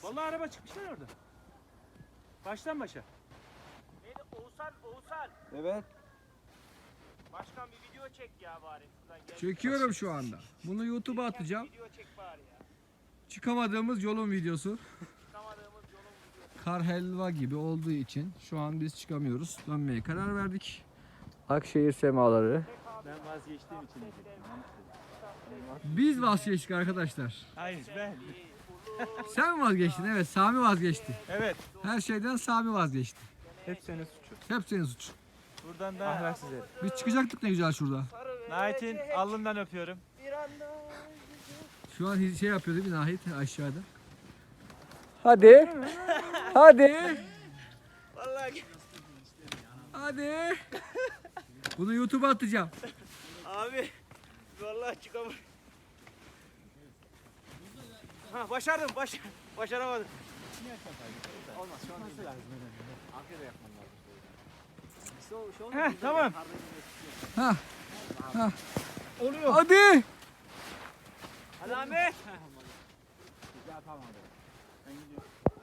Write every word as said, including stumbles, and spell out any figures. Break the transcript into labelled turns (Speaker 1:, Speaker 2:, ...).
Speaker 1: Vallahi araba çıkmışlar orada. Baştan başa.
Speaker 2: Neydi? Oğuzhan, Oğuzhan.
Speaker 3: Evet.
Speaker 2: Başkan bir video çek ya bari. Şuradan gel.
Speaker 3: Çekiyorum şu anda. Bunu YouTube'a atacağım.
Speaker 2: Video çek bari ya.
Speaker 3: Çıkamadığımız yolun videosu.
Speaker 2: Çıkamadığımız yolun videosu.
Speaker 3: Kar helva gibi olduğu için şu an biz çıkamıyoruz. Dönmeye karar verdik. Akşehir semaları.
Speaker 1: Ben vazgeçtiğim için diyecektim.
Speaker 3: Biz vazgeçtik arkadaşlar.
Speaker 1: Hayır ben.
Speaker 3: Sen mi vazgeçtin? Evet, Sami vazgeçti.
Speaker 1: Evet.
Speaker 3: Her şeyden Sami vazgeçti.
Speaker 1: Hep senin suçun.
Speaker 3: Hep senin suçun.
Speaker 1: Buradan da ahlaksız herif.
Speaker 3: Biz çıkacaktık ne güzel şurada.
Speaker 1: Nahit'in alnından öpüyorum.
Speaker 3: Şu an şey yapıyor değil mi Nahit aşağıda? Hadi. Hadi.
Speaker 2: Vallahi
Speaker 3: Hadi. Bunu YouTube'a atacağım.
Speaker 2: abi. Vallahi çıkamadım. Ha başardım. Baş başaramadım.
Speaker 1: Olmaz şu an nasıl lazım? Arkada yapman lazım. Heh tamam.
Speaker 3: Ha. Ha.
Speaker 1: Oluyor.
Speaker 3: Hadi.
Speaker 2: Hadi Ahmet.
Speaker 1: Ya tamam. Ben gidiyorum.